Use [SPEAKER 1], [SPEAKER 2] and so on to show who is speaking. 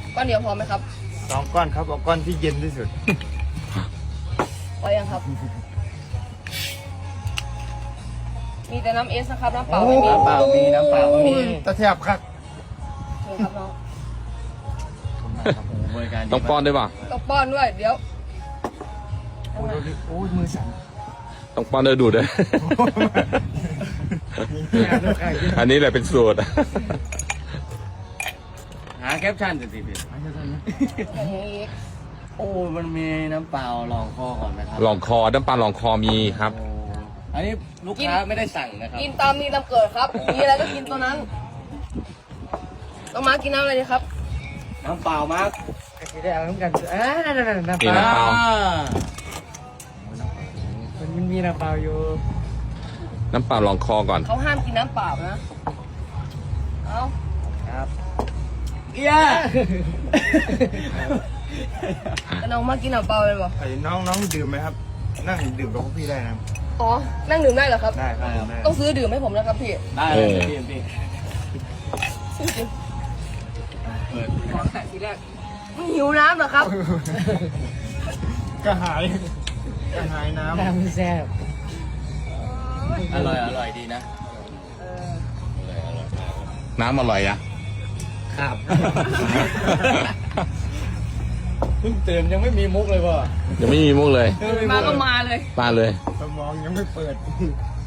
[SPEAKER 1] ก้อนเดียวพอไหมครับ
[SPEAKER 2] 2 ก้อนครับเอาก้อนที่เย็นที่สุด
[SPEAKER 1] พอยังครับ มีแต่น้ำเอสนะครับน้ำเปล่า
[SPEAKER 2] โอ้
[SPEAKER 1] ไม่มี
[SPEAKER 3] น้ำเปล่ามีน้ำเปล่ามี
[SPEAKER 2] ตะแทบครับ
[SPEAKER 1] เชิญครับน้อง
[SPEAKER 3] บริการดี
[SPEAKER 4] ต้องป้อนด้วยป่ะ
[SPEAKER 1] ต้องป้อนด้วยเดี๋ยว
[SPEAKER 2] โอ้ยโอ้ยมือสั่น
[SPEAKER 4] ต้องป้อนด้วยดูดด้วย อันนี้แหละเป็นสูตร
[SPEAKER 3] หาแคปชั่นสิพี่
[SPEAKER 1] อย่างนี้อีก
[SPEAKER 3] โอ้มันมีน้ำเปล่าลองคอก่อนนะครับ
[SPEAKER 4] ลองคอน้ำปลาลองคอมีครับ
[SPEAKER 3] โอ้อันนี้ลูกค้าไม่ได้สั่งนะครับ
[SPEAKER 1] กินตามมีตามเกิดครับ มีอะไรก็กินตัวนั้นต้องมากินน้ำอะไรดีครับ
[SPEAKER 3] น้ำเปล่ามาร์ค
[SPEAKER 2] จะได้เอาน้ำกันน้ำ
[SPEAKER 4] นี่
[SPEAKER 2] เปล่า
[SPEAKER 4] น้ำเปล่า
[SPEAKER 2] มันมีน้ำเปล่าอยู่
[SPEAKER 4] น้ำเปล่าลองคอก่อน
[SPEAKER 1] เขาห้ามกินน้ำเปล่านะ เอา
[SPEAKER 2] ครับ
[SPEAKER 3] เอีย
[SPEAKER 1] แต่น้องมากินน้ำเปล่าเลยบ่
[SPEAKER 2] ไอ้น้องดื่มไหมครับ นั่งดื่มกับพวกพี่ได้นะ
[SPEAKER 1] อ๋อ นั่งดื่มได้เหรอครับ
[SPEAKER 2] ได้ครับได้
[SPEAKER 1] ต้องซื้อดื่มให้ผมนะครับพี่
[SPEAKER 3] ได้เลยพี่
[SPEAKER 1] ซื้อจริง
[SPEAKER 3] เปิด
[SPEAKER 1] ทีแรกมึงหิวน้ำเหรอครับ
[SPEAKER 2] กระหายน้ำ
[SPEAKER 3] อร่อยดีนะ
[SPEAKER 4] น้ำอร่อยอะ
[SPEAKER 3] ครับ เพิ่งตื่นยังไม่มีมุกเลยว่ะ
[SPEAKER 4] ยังไม่มีมุกเลย
[SPEAKER 1] มาก็มาเลย
[SPEAKER 4] มาเลย
[SPEAKER 2] สมองยังไม่เปิด